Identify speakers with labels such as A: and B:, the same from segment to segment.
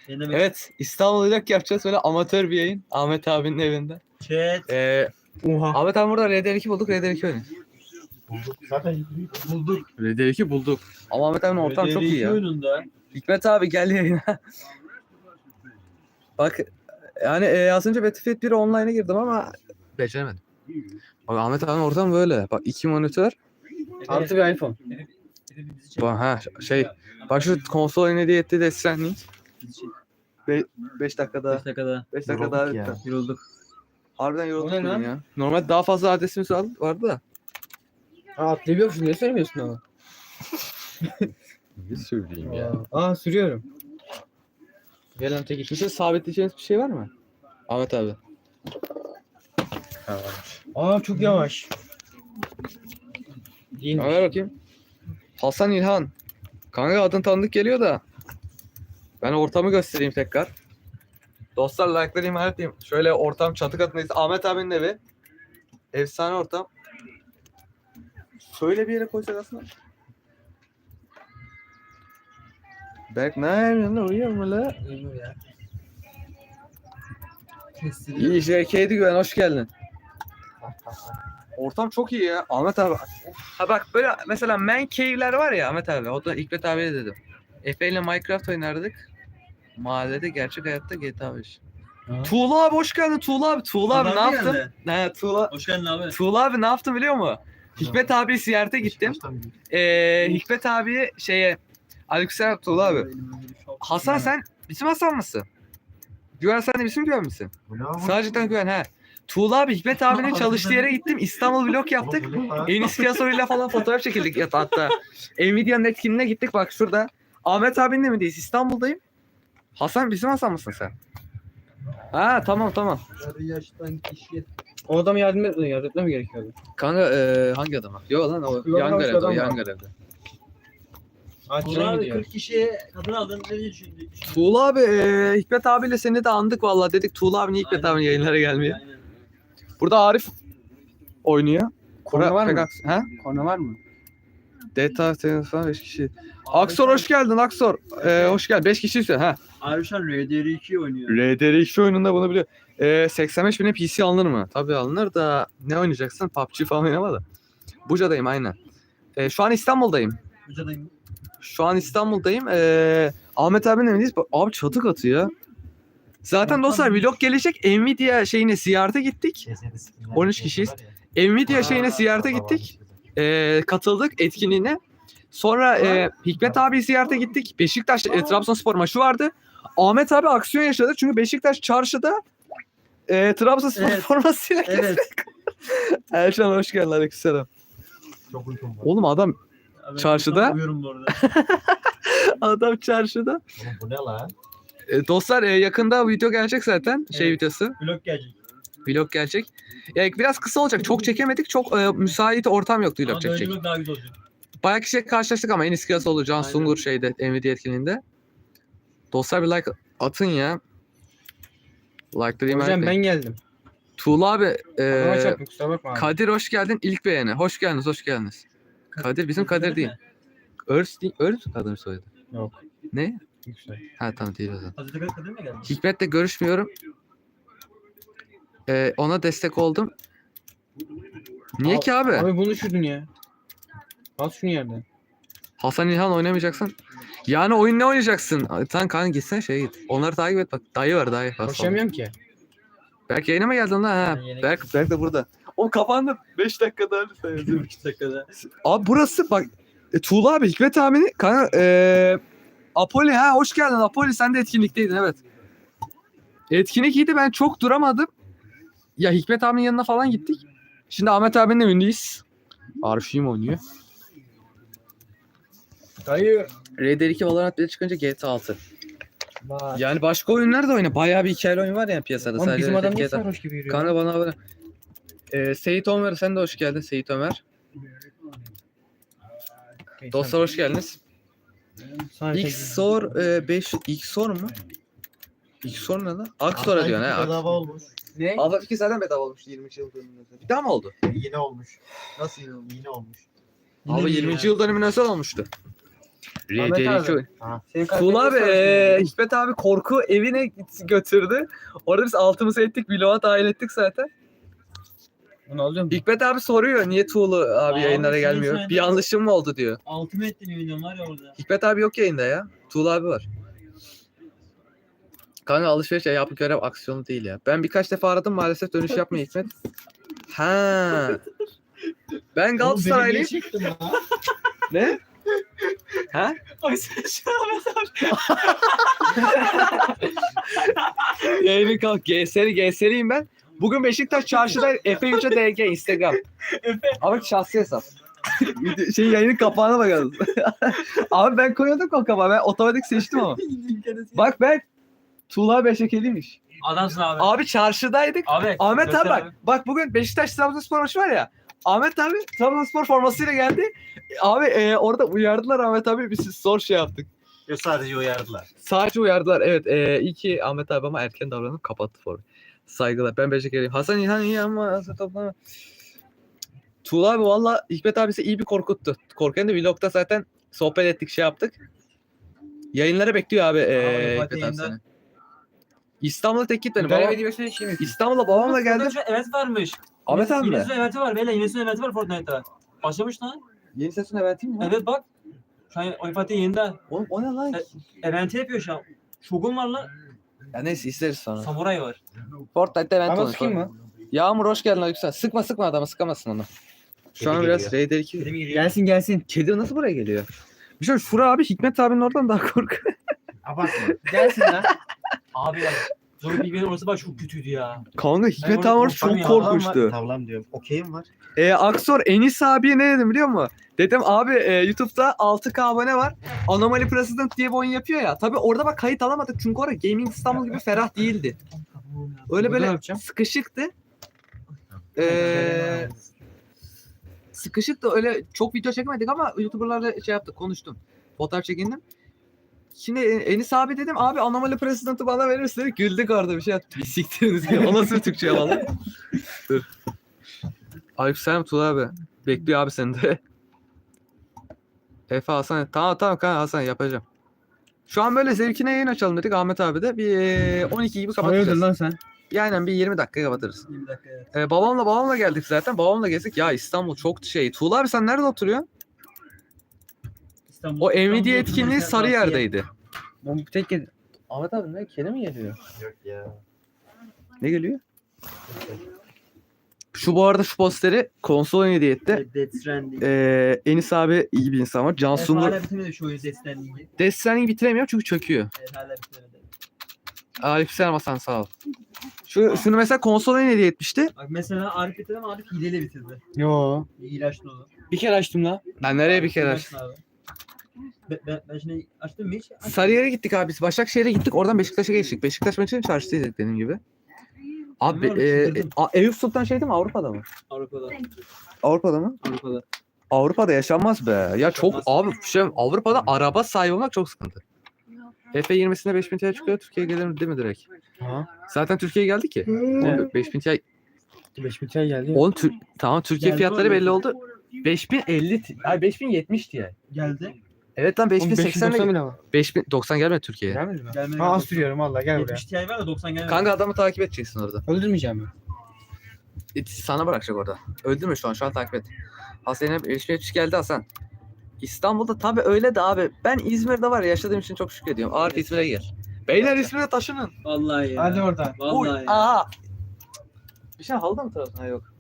A: Evet, İstanbul vlog yapacağız, böyle amatör bir yayın. Ahmet abinin evinde.
B: Chat.
A: Oha. Ahmet abi burada RDR2 bulduk, RDR2 oynuyoruz.
B: Zaten bulduk.
A: RDR2 bulduk. Ama Ahmet abinin ortam çok iyi ya.
B: Oyununda.
A: Hikmet abi gel yayına. Bak yani az önce Battlefield 1 online'a girdim ama beceremedim. Bak Ahmet abinin ortam böyle. Bak 2 monitör. Artı bir iPhone. Bak ha şey. Bak şu konsol oyunu hediye etti de Stranding. 5 dakikada.
B: 5 dakikada.
A: 5 dakika daha
C: ya.
A: bitti.
B: Yorulduk.
A: Harbiden yorulduk
C: O ne
A: bugün
C: lan?
A: ya. Normalde daha fazla adresimiz vardı da.
C: Atlayabiliyormuşum. Niye söylemiyorsun ama?
A: Ne söyleyeyim
C: Sürüyorum. Gelen tek iş.
A: Kimse sabitleyeceğiniz bir şey var mı? Ahmet abi.
C: Çok yavaş. Değil mi?
A: Ver bakayım. Hasan İlhan. Kanka adın tanıdık geliyor da. Ben ortamı göstereyim tekrar. Dostlar like'ları ihmal etmeyeyim. Şöyle ortam çatı katındayız. Ahmet abinin evi. Efsane ortam. Şöyle bir yere koysak aslında. Berk ne yapıyorsun? Uyuyor mu la? İyi şey kedi güven hoş geldin. Ortam çok iyi ya. Ahmet abi. Ha bak böyle mesela man cave'ler var ya Ahmet abi. O da Hikmet abiye dedim. Efe ile Minecraft oynardık. Mahallede gerçek hayatta GTA 5. Tuğla abi hoş geldin Tuğla abi. Tuğla abi ne yaptın? Ne Tuğla.
B: Hoş geldin abi.
A: Tuğla abi ne yaptın biliyor musun? Hikmet abi ziyarete gittim. Hikmet abi Aleykümselam Tuğla abi. Hasan sen bizim Hasan mısın? Güven sen de bizim Güven misin? Sadece Güven he. Tuğla abi Hikmet abinin çalıştığı yere gittim. İstanbul vlog yaptık. Enis Kiyasoy'la falan fotoğraf çekildik hatta. Nvidia'nın etkinliğine gittik bak şurada. Ahmet abinin de mi değil? İstanbul'dayım. Hasan bizim Hasan mısın sen? Ha tamam.
B: Yaştan kişi.
C: O adamı yardım etme mi gerekiyordu?
A: Kanka hangi adama? Yok lan o
C: Yok,
A: yan
C: başka
A: görevde. O
C: adam
A: yan
C: var.
A: görevde.
C: Tren
B: Abi
C: gidiyor.
B: 40 kişiye kadın aldın. Ne düşündün?
A: Tuğla abi Hikmet abiyle seni de andık vallahi dedik Tuğla abi niye Hikmet abinin yayınlara gelmiyor.
B: Aynen.
A: Burada Arif oynuyor.
C: Korna var mı?
A: Pegasus- Ha?
C: Korna var mı?
A: Data falan 5 kişi. Aksor hoş geldin Aksor. Hoş geldin. 5 kişi ise ha.
B: Arşan RDR2 oynuyor.
A: RDR2 oyununda bunu biliyor. 85 bine PC alınır mı? Tabii alınır da ne oynayacaksın? PUBG falan oynama da. Buca'dayım aynen. Şu an İstanbul'dayım.
B: Buca'dayım.
A: Şu an İstanbul'dayım. Ahmet abinin evindeyiz. Abi çatı katı ya. Zaten dostlar vlog gelecek. Nvidia şeyine ziyarete gittik. 13 kişiyiz. Nvidia şeyine ziyarete gittik. Katıldık etkinliğine. Sonra Hikmet abi ziyarete gittik. Beşiktaş Trabzonspor maçı vardı. Ahmet abi aksiyon yaşadı. Çünkü Beşiktaş çarşıda Trabzonspor
B: Evet.
A: formasıyla
B: Evet.
A: Erşan hoş geldin. Aleykümselam.
C: Çok uykum var.
A: Oğlum adam
B: Abi,
A: Çarşıda.
B: Uyuyorum bu arada.
A: adam çarşıda.
C: Oğlum bu ne lan?
A: Dostlar yakında video gelecek zaten. Şey
B: Evet.
A: videosu.
B: Vlog gelecek.
A: Vlog gelecek. Biraz kısa olacak. Çok çekemedik. Çok müsait ortam yoktu vlog
B: Ama böyle
A: çekecek.
B: vlog daha güzel olacak.
A: Bayağı kişiyle karşılaştık ama Enis Kıyasoğlu, Can
B: Aynen.
A: Sungur şeyde Nvidia etkinliğinde. Dostlar bir like atın ya. Like'ları ihmal
C: Hocam ben
A: etmeyin.
C: geldim.
A: Tuğla abi
C: Adama çarptım kusura bakma abi.
A: Kadir hoş geldin. İlk beğeni. Hoş geldiniz. Kadir bizim Kadir değil. Örs değil. Örs mü Kadir soyadı?
C: Yok.
A: Ne?
C: Yüksel.
A: Ha tamam değil o zaman.
B: Hazreti Kadir mi geldi?
A: Hikmet'le görüşmüyorum. Ona destek oldum. Niye ki abi?
C: Abi bunu düşürdün ya. Al şunu yerden.
A: Hasan İlhan oynamayacaksın. Yani oyun ne oynayacaksın? Sen kanka gitsen git. Onları takip et bak. Dayı var dayı.
C: Koşamıyorum ki.
A: Berk yayına mı geldin lan ha?
B: Ben yayına
A: Berk de burada. O kapandı. 5 dakikada öyle
B: 2 dakikada.
A: Abi burası bak. Tuğla abi Hikmet abinin kanka Apoli ha hoş geldin Apoli sen de etkinlikteydin evet. Etkinlik iyiydi ben çok duramadım. Ya Hikmet abinin yanına falan gittik. Şimdi Ahmet abinin evindeyiz. Arif'im oynuyor.
C: Dayı.
A: RDR2 Valorant 1'e çıkınca GTA 6.
C: Bak.
A: Yani başka oyunlar da oyna. Bayağı bir hikayeli oyun var ya piyasada.
C: Oğlum bizim adam niye
A: GTA.
C: sarhoş gibi yürüyor?
A: Kanka bana abone. Seyit Ömer sen de hoş geldin Seyit Ömer. Dostlar hoş geldiniz. XOR 5 XOR mu? XOR ne lan? Aksor'a diyorsun ha.
C: Bedava olmuş. Ne?
A: Half-Life 2 zaten bedava olmuştu 20. yıl dönümünde. Bir daha mı oldu?
C: Yine olmuş. Nasıl yine olmuş?
A: Abi 20. yıl dönümüne özel olmuştu.
C: Ahmet
A: RDR2
C: abi. Senin
A: Tuğla abi
C: karakterin sorsun.
A: Hikmet abi korku evine götürdü. Orada biz altımızı ettik. Vlog'a dahil ettik zaten.
C: Bunu alıyor musun?
A: Hikmet abi soruyor niye Tuğla abi
B: Abi
A: yayınlara
B: senin
A: gelmiyor.
B: sayende-
A: Bir yanlışım mı oldu diyor.
B: Altımı ettin eminim var ya orada.
A: Hikmet abi yok yayında ya. Tuğla abi var. Kanka alışveriş yapıp görev aksiyonu değil ya. Ben birkaç defa aradım maalesef dönüş yapmıyor Hikmet. Ha. Ben Galatasaraylıyım.
B: Çektim ha.
A: Ne? Ha?
B: Ay sen şu an
A: Yayını kalk. GS'liyim ben. Bugün Beşiktaş çarşıda Efe Yüce DG Instagram.
B: Efe.
A: Ama şahsi hesap. Yayının kapağına bakalım. Abi ben koyuyordum o kapağı. Ben otomatik seçtim ama. Bak ben Tuğla Beşekeliymiş.
B: Adamsın abi.
A: Abi çarşıdaydık.
B: Abi.
A: Ahmet
B: göster
A: abi bak. Bak bugün Beşiktaş Trabzonspor maçı var ya. Ahmet abi Trabzonspor formasıyla geldi. Abi orada uyardılar Ahmet abi. Biz zor şey yaptık.
B: Yok sadece uyardılar.
A: Sadece uyardılar. Evet. İyi ki Ahmet abi ama erken davranıp kapattı formu. Saygılar. Ben Beşiktaş'lıyım. Hasan İlhan iyi ama Hasan toplama. Tuğla abi valla Hikmet abisi iyi bir korkuttu. Korkan da vlogda zaten sohbet ettik şey yaptık. Yayınlara bekliyor abi
B: Fatih
A: Hikmet abi
B: yayında.
A: seni. İstanbul'a tek gitmedim.
C: Görev
A: Babam,
C: edilmesine şey mi?
A: İstanbul'a babamla geldim.
B: Evet varmış.
A: Ahmet abi mi?
B: Yeni sezon eventi var. Beyler yeni sezon eventi var Fortnite'da. Başlamış lan.
A: Yeni sezon eventi mi?
B: Evet bak. Şu an Oyun Fatih yayında.
A: Oğlum o ne lan?
B: Eventi yapıyor şu an. Shogun var lan.
A: Ya neyse izleriz sonra.
B: Samuray var.
A: Fortnite'da event
C: Ama
A: olmuş.
C: sıkayım mı?
A: Yağmur hoş geldin Aleyküm. Sıkma adamı sıkamazsın onu. Şu an
B: Kedi
A: biraz
B: geliyor.
A: Raider 2.
B: Kedi mi gidiyor?
C: Gelsin.
A: Kedi nasıl buraya geliyor? Bir şey Şura abi Hikmet abinin oradan daha korkuyor.
B: Abartma.
C: Gelsin lan.
B: Abi ya. Zor bir orası bak çok kötüydü ya.
A: Kanka Hikmet
B: orada
A: abi orası çok
B: korkmam ya.
A: korkmuştu.
D: Tavlam diyorum. Okeyim var.
A: Aksor Enis abiye ne dedim biliyor musun? Dedim abi YouTube'da 6K abone var. Anomaly President diye bir oyun yapıyor ya. Tabi orada bak kayıt alamadık çünkü orada Gaming İstanbul gibi ferah değildi. Öyle
C: Burada ne
A: böyle
C: yapacağım?
A: sıkışıktı. Sıkışıktı öyle çok video çekmedik ama YouTuber'larla şey yaptık konuştum. Fotoğraf çekindim. Şimdi Enis abi dedim abi Anomaly President'ı bana verirsin dedi. Güldük orada bir şey yaptı. Bir siktiriniz ya. O nasıl bir Türkçe valla? Dur. Aleykümselam Tuğla abi. Bekliyor abi seni de. Efe Hasan. Tamam kanka Hasan yapacağım. Şu an böyle zevkine yayın açalım dedik Ahmet abi de. Bir 12 gibi
C: Hayırdır
A: kapatacağız.
C: lan sen?
A: Yani bir 20 dakika kapatırız.
B: 20 dakika evet.
A: Babamla geldik zaten. Babamla gezdik. Ya İstanbul çok şey. Tuğla abi sen nerede oturuyorsun?
B: İstanbul.
A: O Nvidia
B: İstanbul'da
A: etkinliği
B: oturmak
A: Sarıyer'deydi.
C: Bu tek kedi.
A: Ahmet abi ne? Kedi mi geliyor?
D: Yok ya.
A: Ne geliyor? Şu bu arada şu posteri konsol hediye etti.
B: Death Stranding.
A: Enis abi iyi bir insan var. Can Sungur.
B: Hala bitirmedi şu oyun Death Stranding'i.
A: Death Stranding'i bitiremiyor çünkü çöküyor.
B: Evet hala bitirmedi.
A: Aleykümselam Hasan sağ ol. Şunu mesela konsol hediye etmişti.
B: Bak mesela Arif bitirdi ama Arif hileyle bitirdi.
C: Yo.
B: İlaçlı olur.
C: Bir kere açtım lan.
A: Ben nereye bir kere
B: İlaçlı abi. Ben şimdi açtım mı hiç? Açtım.
A: Sarıyer'e gittik abi biz. Başakşehir'e gittik. Oradan Beşiktaş'a geçtik. Beşiktaş maçının çarşısıydık dediğim gibi. Abi
B: Bilmiyorum, çıldırdım.
A: Eyüp Sultan şey değil mi? Avrupa'da mı?
B: Avrupa'da.
A: Avrupa'da mı?
B: Avrupa'da.
A: Avrupa'da yaşanmaz be. Ya çok
B: Yaşanmaz.
A: abi şey Avrupa'da araba sahibi olmak çok sıkıntı. F20'sinde 5000 TL çıkıyor. Türkiye'ye gelir mi değil mi direkt?
C: Ha.
A: Zaten Türkiye'ye geldi ki. Oğlum 5000 TL.
C: 5000 TL geldi.
A: Oğlum tamam Türkiye
B: Geldi
A: fiyatları
B: oğlum.
A: belli oldu. 5050 ay 5070 diye.
B: Geldi.
A: Evet lan 5080
C: 5090
A: ile
C: bile var.
A: 5090 gelmedi Türkiye'ye.
C: Gelmedi mi?
B: Gelmedi.
C: Ha az sürüyorum valla gel buraya.
B: 70 Ti var da 90 gelmedi.
A: Kanka adamı takip edeceksin orada.
C: Öldürmeyeceğim mi?
A: Sana bırakacak orada. Öldürme şu an takip et. Hasan'ın 5070 geldi Hasan. İstanbul'da tabii öyle de abi. Ben İzmir'de var ya yaşadığım için çok şükür ediyorum. Arif İzmir'e gel. Beyler İzmir'e taşının.
B: Vallahi ya.
C: Hadi oradan.
A: Uy,
B: Vallahi ya.
A: aha. Bir şey halda mı Trabzon? Ha yok.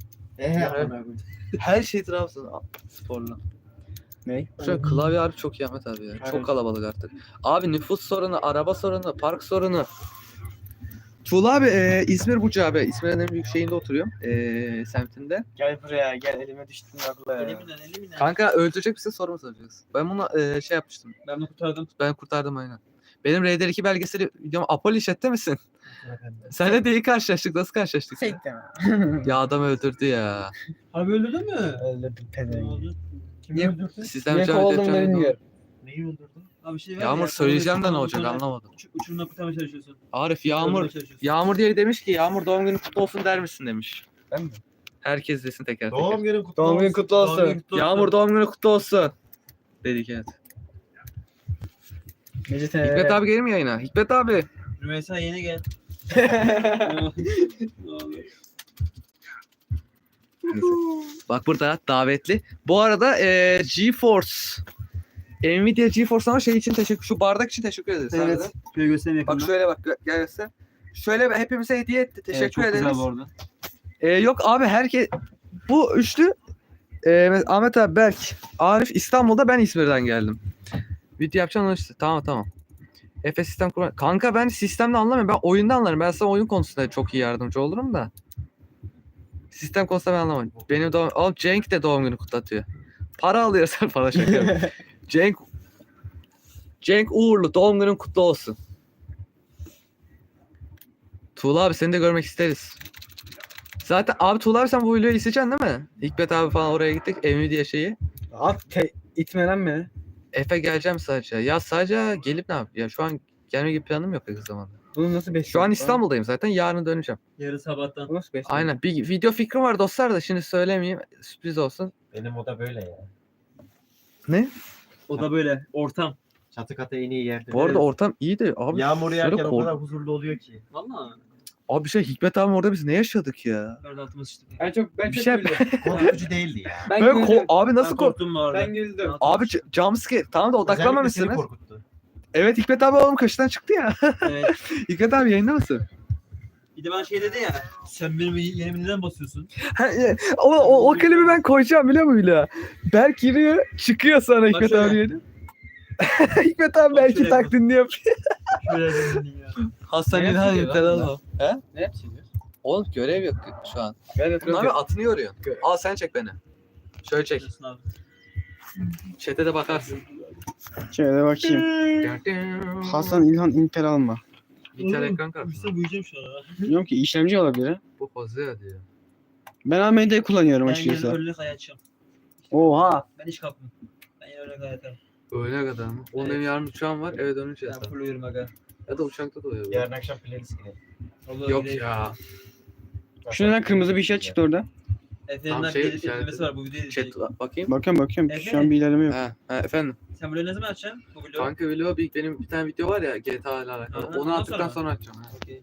A: Her şey Trabzon sporlu.
C: Ne?
A: Şu an klavye harbi çok iyi Ahmet abi ya.
C: Evet.
A: Çok kalabalık artık. Abi nüfus sorunu, araba sorunu, park sorunu. Tuğla abi İzmir Buca abi. İzmir'in en büyük şeyinde oturuyorum. Semtinde.
C: Gel buraya gel elime düştün abla ya.
B: Elimden.
A: Kanka öldürecek misin soru mu soracaksın? Ben buna şey yapmıştım.
B: Ben bunu kurtardım.
A: Ben kurtardım aynen. Benim Raider 2 belgeseli videom Apollo işette misin? Senle de iyi karşılaştık. Nasıl karşılaştık? ya?
C: Fake deme.
A: Ya adam öldürdü ya.
B: Abi öldürdün mü?
C: Öldürdüm
B: Ne
C: pezevenk.
B: oldu? Kim
C: Niye-
B: öldürdü?
A: Sizden
C: Niye
A: önce
C: kovaldım da
A: öldüreceğim.
C: bilmiyorum.
D: Neyi öldürdün?
B: Abi şey var
A: Yağmur
B: ya,
A: söyleyeceğim de ne
B: sonra
A: olacak anlamadım.
B: Uçurumda kurtarmaya çalışıyorsun.
A: Arif
B: Kurtarmaya
A: Yağmur
B: çalışıyorsun.
A: Yağmur diye demiş ki Yağmur doğum günü kutlu olsun der misin demiş.
C: Ben mi?
A: Herkes desin teker teker.
D: Doğum günün kutlu
C: Doğum günün
D: olsun.
C: kutlu olsun.
B: Doğum günün kutlu olsun.
A: Yağmur doğum günü kutlu olsun. Dedik evet. Hikmet abi gelir mi yayına? Hikmet abi.
B: Rümeysa yeni gel.
A: Bak burada davetli. Bu arada GeForce. Nvidia GeForce ama şey için teşekkür. Şu bardak için teşekkür ederiz.
C: Evet.
A: harbiden.
C: Şöyle göstereyim
A: Bak
C: yakından.
A: şöyle bak gel göster. Şöyle hepimize hediye etti. Teşekkür
C: çok
A: ederiz.
C: güzel bu arada.
A: Yok abi herkes bu üçlü Ahmet abi, Berk, Arif İstanbul'da, ben İzmir'den geldim. Video yapacağım işte. Tamam. Efes sistem kurma. Kanka ben sistemde anlamıyorum. Ben oyunda anlarım. Ben sana oyun konusunda çok iyi yardımcı olurum da. Sistem konusunda ben anlamam. Benim doğum... Oğlum Cenk de doğum günü kutlatıyor. Para alıyorsan falan şaka yapıyorum. Cenk Uğurlu doğum günün kutlu olsun. Tuğla abi seni de görmek isteriz. Zaten abi Tuğla abi sen bu videoyu isteyeceksin değil mi? Hikmet abi falan oraya gittik. Nvidia şeyi.
C: Abi itme lan beni.
A: Efe geleceğim sadece. Ya sadece gelip ne yap? Ya şu an gelme gibi planım yok yakın zamanda.
C: Bunu nasıl besliyorsun?
A: Şu an İstanbul'dayım zaten. Yarın döneceğim.
B: Yarın sabahtan.
C: Bu nasıl besliyorsun?
A: Aynen. Bir video fikrim var dostlar da şimdi söylemeyeyim. Sürpriz olsun.
D: Benim oda böyle ya.
A: Ne?
B: O da böyle ortam.
D: Çatı katı en iyi yerde.
A: Bu arada ortam iyiydi. Abi
D: Yağmur
A: şöyle
D: yağarken o
A: kork-
D: kadar huzurlu oluyor ki.
B: Valla.
A: Abi bir şey Hikmet abi orada biz ne yaşadık ya?
B: Nerede altıma sıçtık.
C: Ben
A: Bir
C: çok
A: şey-
C: güldüm.
D: Korkutucu değildi ya.
C: Ben
A: Böyle
C: güldüm.
A: abi nasıl
B: Ben
A: kork...
B: korktum bu arada.
C: Ben güldüm.
A: Abi jumpscare. Tamam da
D: Özellikle seni
A: odaklanmamışsınız.
D: korkuttu.
A: Evet Hikmet abi oğlum kaşından çıktı ya.
B: Evet.
A: Hikmet abi yayında mısın?
B: Bir de ben şey dedi ya. Sen benim yerime neden basıyorsun?
A: O klibi ben koyacağım biliyor musun Hülya? Berk giriyor çıkıyor sonra Hikmet
B: şöyle.
A: abi yeni. Hikmet abi
B: Bak
A: belki
B: şöyle
A: taklidini yapıyor.
B: Şöyle dedin ya.
A: Hasan
C: Ne
A: İlhan
C: yapıyor
A: yeter
C: lan
A: oğlum. He?
C: Ne yapıyorsun?
A: Oğlum görev yok şu an.
C: Ben
A: Bunun abi atını yoruyorsun.
C: Görev.
A: Al sen çek beni. Şöyle çek.
B: Diyorsun abi.
A: Chat'e de bakarsın.
C: Şöyle bakayım. Hasan İlhan Intel alma.
A: İnter ekran kartı.
B: Uyusa uyuyacağım şu an ha.
C: Bilmiyorum ki işlemci olabilir ha.
A: Bu pozu diyor.
C: Ben AMD kullanıyorum
B: Ben yarın
C: açıkçası.
B: öğlene kadar yatacağım.
C: Oha.
B: Ben hiç kalkmam. Ben yarın öğlene kadar yatarım.
A: Öyle kadar mı? Oğlum
B: Evet.
A: benim yarın uçağım var eve dönünce
B: Ben
A: yatarım.
B: full uyurum aga.
A: Ya da uçakta da uyuyorum.
D: Yarın akşam playlist gidelim.
B: Olur,
A: Yok
B: gidelim.
A: ya.
C: Şu neden kırmızı bir şey çıktı orada?
B: Efendim
A: Tam şey
B: bir
A: işareti-
B: izlemesi var bu videoyu
A: Chat
B: izleyecek.
A: bakayım.
C: Bakıyorum.
B: Evet.
C: Şu an bir ilerleme yok.
A: He efendim.
B: Sen burayı ne zaman açacaksın? Bu vlogu?
A: Kanka vlog benim bir tane video var ya GTA ile alakalı.
B: Aha,
A: Onu
B: ondan
A: attıktan
B: sonra
A: sonra açacağım. ha.
B: Okey.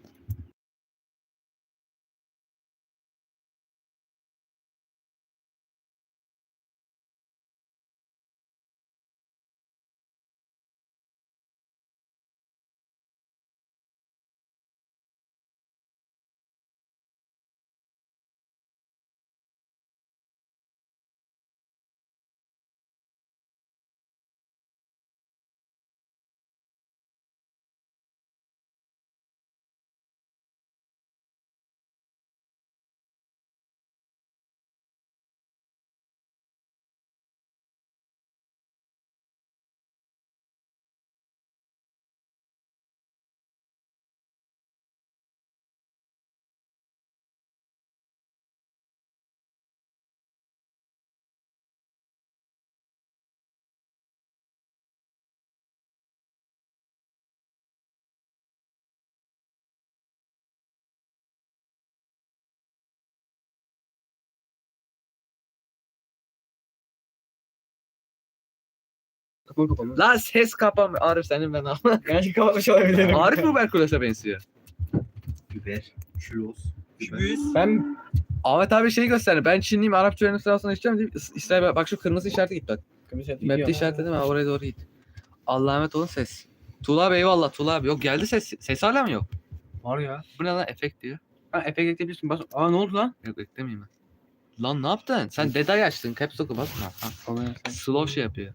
C: Kapalı.
A: Lan ses kapama. Arif senin ben ama.
C: Belki kapatmış olabilirim.
A: Arif Uberkules'e benziyor.
D: Biber, şuloz.
B: Şu büyüz.
C: Ben
A: Ahmet abi şeyi gösterdi. Ben Çinliyim Arapça öğrenim sırasına içeceğim deyip İsrail bak şu kırmızı işarete git bak. Map'te işaretledim ha oraya doğru git. Allah'a emanet olun ses. Tuğla abi eyvallah Tuğla abi. Yok geldi ses. Ses hala mı yok?
C: Var ya.
A: Bu ne lan efekt diyor.
C: Ha efekt ekleyebilirsin. Bas. Aa ne oldu lan?
A: Yok eklemeyeyim ben. Lan ne yaptın? Sen detay açtın. Caps lock'u basma. Ha. Slow şey yapıyor.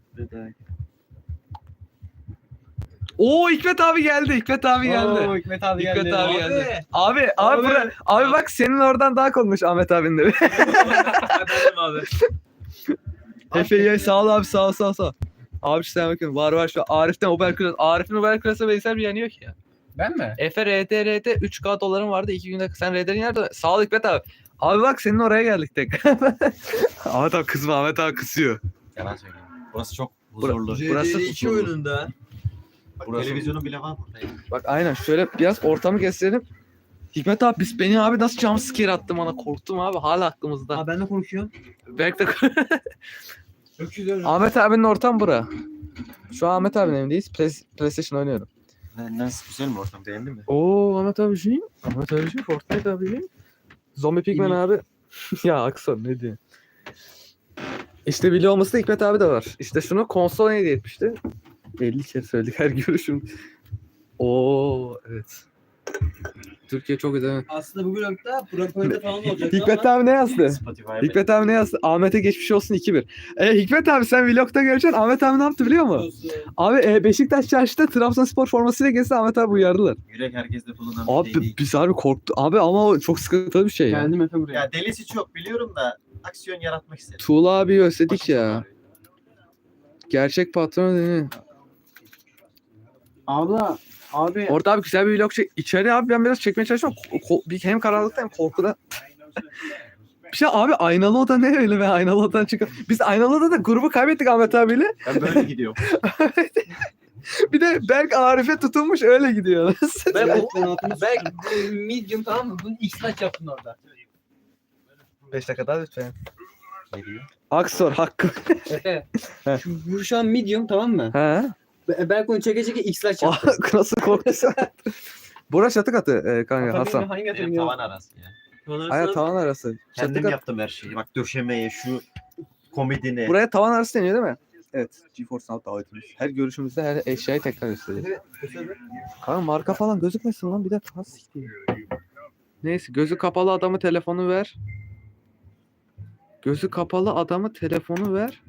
A: Oo Hikmet abi geldi. Hikmet abi geldi.
C: Oo, Hikmet abi
A: Hikmet
C: geldi.
A: abi
B: Abi.
A: geldi. Abi
C: Abi.
A: abi bak senin oradan daha konmuş Ahmet abinin de.
B: Efendim abi.
A: Efe'ye sağ ol abi sağ ol. Abi sen bakın var şu Arif'ten Uberkules. Arif'in Uberkules'e benzer bir yanı yok ya.
C: Ben mi?
A: Efe RDR'de 3K doların vardı 2 günde. Sen RDR'in nerede? Sağ ol Hikmet abi. Abi bak senin oraya geldik tek. Ahmet abi kızma Ahmet abi kısıyor.
D: Yalan söylüyorum. Burası çok huzurlu.
A: Burası
B: RDR2
A: huzurlu.
B: oyununda.
D: Bak,
A: burası-
D: televizyonun bile var burada. ya.
A: Bak aynen şöyle biraz ortamı gösterelim. Hikmet abi beni abi nasıl jumpscare attı bana korktum abi hala aklımızda.
B: Aa ben de korkuyorum.
A: Belki de
B: Öküz öyle.
A: Ahmet abinin ortam bura. Şu an Ahmet abinin evindeyiz. PlayStation oynuyorum.
D: Nasıl güzel mi ortam, beğendin mi?
A: Oo Ahmet abiciğim. Ahmet abiciğim Fortnite abiciğim. Zombie Pigman abi. Ya Akson ne diyor? İşte biliyor olması da Hikmet abi de var. İşte şunu konsol hediye etmişti. 50 kere söyledik her görüşüm. Oo evet. Türkiye çok güzel.
B: Aslında bu vlogda Propo'da falan olacak
A: Hikmet abi ne yazdı?
D: Spotify'a
A: Hikmet abi ne yazdı? Ahmet'e geçmiş olsun 2-1. Hikmet abi sen vlogda göreceksin. Ahmet abi ne yaptı biliyor musun? Abi Beşiktaş çarşıda Trabzonspor formasıyla gezdi. Ahmet abi uyardılar.
D: Yürek herkeste bulunan bir şey
A: Abi
D: değil.
A: biz abi korktu. Abi ama o çok sıkıntılı bir şey ya.
C: Geldim Efe buraya.
D: Ya delisi çok biliyorum da aksiyon yaratmak istedim.
A: Tuğla abi özledik
D: Başım
A: ya.
D: ağrıyor.
A: Gerçek patron değil mi?
C: Abla. Abi.
A: Orada abi güzel bir vlog çek. İçeri abi ben biraz çekmeye çalışıyorum. Bir hem karanlıkta hem korkuda. Bir şey abi aynalı oda ne öyle be aynalı odadan çıkıyor. Biz aynalı odada grubu kaybettik Ahmet abiyle.
D: Ben böyle gidiyorum.
A: Bir de Berk Arif'e tutulmuş öyle gidiyor.
B: Belki medium tamam mı? Bunu X-Laç yaptın orada.
A: 5 dakika daha lütfen.
D: Ne diyor?
A: Aksor hakkı.
B: Efe.
A: He.
B: Bu şu an medium tamam mı?
A: He.
B: Belki onu çeke çeke X-Laç yaptı.
A: Nasıl korktuysa. Burası çatı katı kanka Hasan.
B: Hangi
D: Benim
B: atın
D: tavan arası ya.
A: Aya tavan arası. Çatı
D: Kendim
A: katı.
D: yaptım her şeyi. Bak döşemeye, şu komedine.
A: Buraya tavan arası deniyor değil mi? Evet. GeForce Now davetimiz. Her görüşümüzde her eşyayı tekrar gösteriyor. Kanka marka falan gözükmesin lan bir de. Neyse gözü kapalı adamı telefonu ver. Gözü kapalı adamı telefonu ver.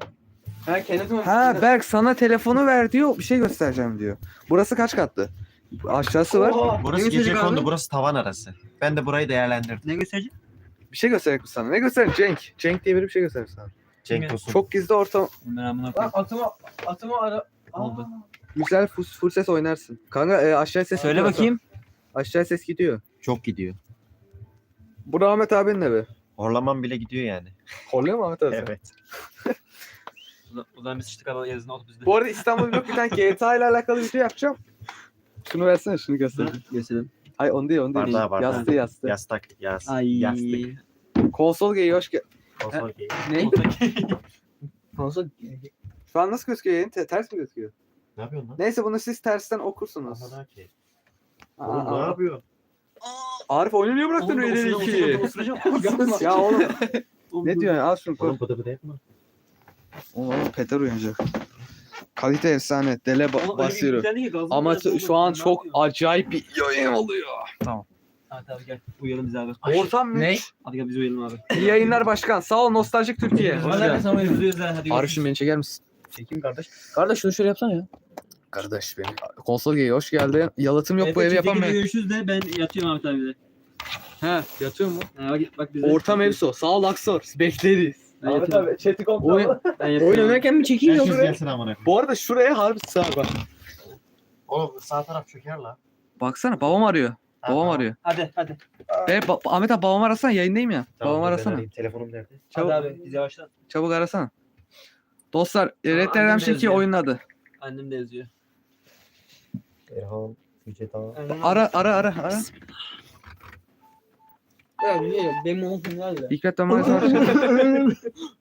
A: Ha Berk sana telefonu ver diyor. Bir şey göstereceğim diyor. Burası kaç katlı? Aşağısı var.
D: Burası gece kondu, burası tavan arası. Ben de burayı değerlendirdim.
B: Ne gösterecek?
A: Bir şey gösterecek mi sana? Ne gösterecek? Cenk. Cenk diye biri bir şey gösterecek sana.
D: Cenk Tosun.
A: Çok gizli ortam.
B: Bunlar amına koyayım. Atımı ara.
D: Oldu.
A: Güzel full ses oynarsın. Kanka aşağı ses
B: Söyle
A: gidiyor.
B: bakayım.
A: Aşağı ses gidiyor.
D: Çok gidiyor.
A: Bu da Ahmet abinin evi.
D: Horlamam bile gidiyor yani.
A: Horluyor mu Ahmet abi?
D: Evet.
B: Ulan bir sıçtık ama yazın oldu bizde.
A: Bu arada İstanbul Vlog bir tane GTA ile alakalı video yapacağım. Şunu versene şunu göster.
B: Gösterelim.
A: Ay onu değil onu değil.
D: Bardağı.
A: Yastı.
D: Yastık.
B: Ay.
D: Yastık.
A: Konsol geyi hoş geldin.
D: Konsol gay.
B: Ne? Konsol.
A: Şu an nasıl gözüküyor yayın? Ters mi gözüküyor?
D: Ne yapıyorsun lan?
A: Neyse bunu siz tersten okursunuz.
D: Aman ki.
A: Aa,
D: Oğlum ne
A: aa.
D: yapıyor?
A: Arif oyunu niye bıraktın öyle iki? Ya oğlum ne diyorsun? Al şunu koy.
D: Oğlum bıdı bıdı yapma.
A: Oğlum Peter uyanacak. Kalite efsane. Dele basıyorum. Ama şu an çok acayip bir yayın oluyor.
B: Hadi abi gel. Uyuyalım biz abi.
A: Ortam
B: Ne?
A: müthiş.
B: Hadi gel biz uyuyalım abi.
A: İyi yayınlar başkan. Sağ ol Nostaljik Türkiye. Hoş
B: Hadi
A: geldin.
B: sana uyuyalım. Hadi
A: Arif'cim beni çeker misin?
B: Çekeyim kardeş. Kardeş şunu şöyle yapsana ya.
A: Kardeş benim. Konsol geyi hoş geldin. Yalıtım yok bu evi yapamayız.
B: Görüşürüz de ben yatıyorum Ahmet abiyle.
A: He yatıyor mu?
B: Bak bize.
A: Ortam mevzu. Sağ ol Aksor. Bekleriz.
B: Ben yatıyorum.
A: Chat'i
B: Oyun oynarken mi çekeyim
D: Herkes
B: yoksa?
D: gelsin amına koyayım.
A: Bu arada şuraya harbi sağ bak.
D: Oğlum sağ taraf çöker la.
A: Baksana babam arıyor. Babam arıyor.
B: Hadi.
A: Ahmet abi babam arasana yayındayım ya. Babam arasana.
D: Telefonum nerede?
A: Çabuk,
B: Hadi abi biz yavaştan.
A: çabuk arasana. Dostlar Red Dead
B: annem
A: Redemption 2
B: yazıyor.
A: oyunun adı.
B: Annem de yazıyor.
D: Erhan. Yüce Dağ.
A: Ara.
B: Ya niye? Benim montum var ya.
A: Hikmet Damarı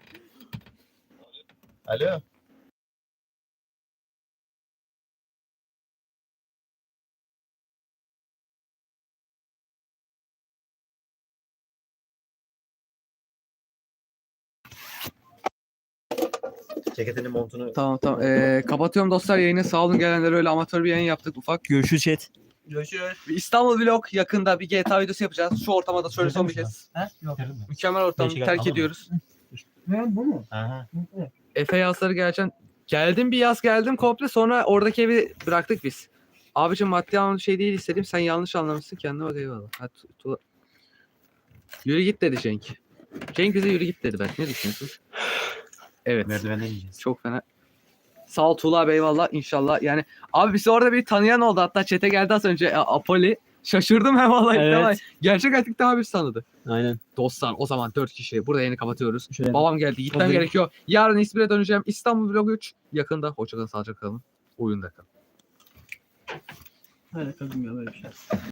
D: Alo. Ceketinin montunu.
A: Tamam. Kapatıyorum dostlar yayını. Sağ olun gelenlere öyle amatör bir yayın yaptık ufak.
B: Görüşürüz chat. Görüşürüz.
A: Bir İstanbul Vlog yakında bir GTA videosu yapacağız. Şu ortamda şöyle son bir kez.
B: Ha? Yok.
A: Mükemmel ortamı
B: Değişik
A: terk
B: ama.
A: ediyoruz.
B: Bu mu?
D: Aha.
A: Efe yazları geleceğim. Geldim bir yaz geldim komple sonra oradaki evi bıraktık biz. Abicim maddi anlamda şey değil istedim. Sen yanlış anlamışsın. Kendine bak eyvallah. Hadi, yürü git dedi Cenk. Cenk bize yürü git dedi ben. Ne düşünüyorsun? Evet.
D: Merdivenden ineceğiz.
A: Çok fena. Sağ ol Tuğla abi eyvallah inşallah. Yani abi bizi orada bir tanıyan oldu. Hatta chat'e geldi az önce Apoli. Şaşırdım he vallahi.
B: Evet.
A: Tamam. Gerçek artık daha bir tanıdı.
B: Aynen.
A: Dostlar o zaman 4 kişi. Burada yayını kapatıyoruz.
B: Şöyle.
A: Babam geldi. Gitmem
B: Hazır.
A: gerekiyor. Yarın İzmir'e döneceğim. İstanbul Vlog 3 yakında. Hoşçakalın, sağlıcakla kalın. Oyunda kalın.
B: Hadi kalın ya böyle bir şey.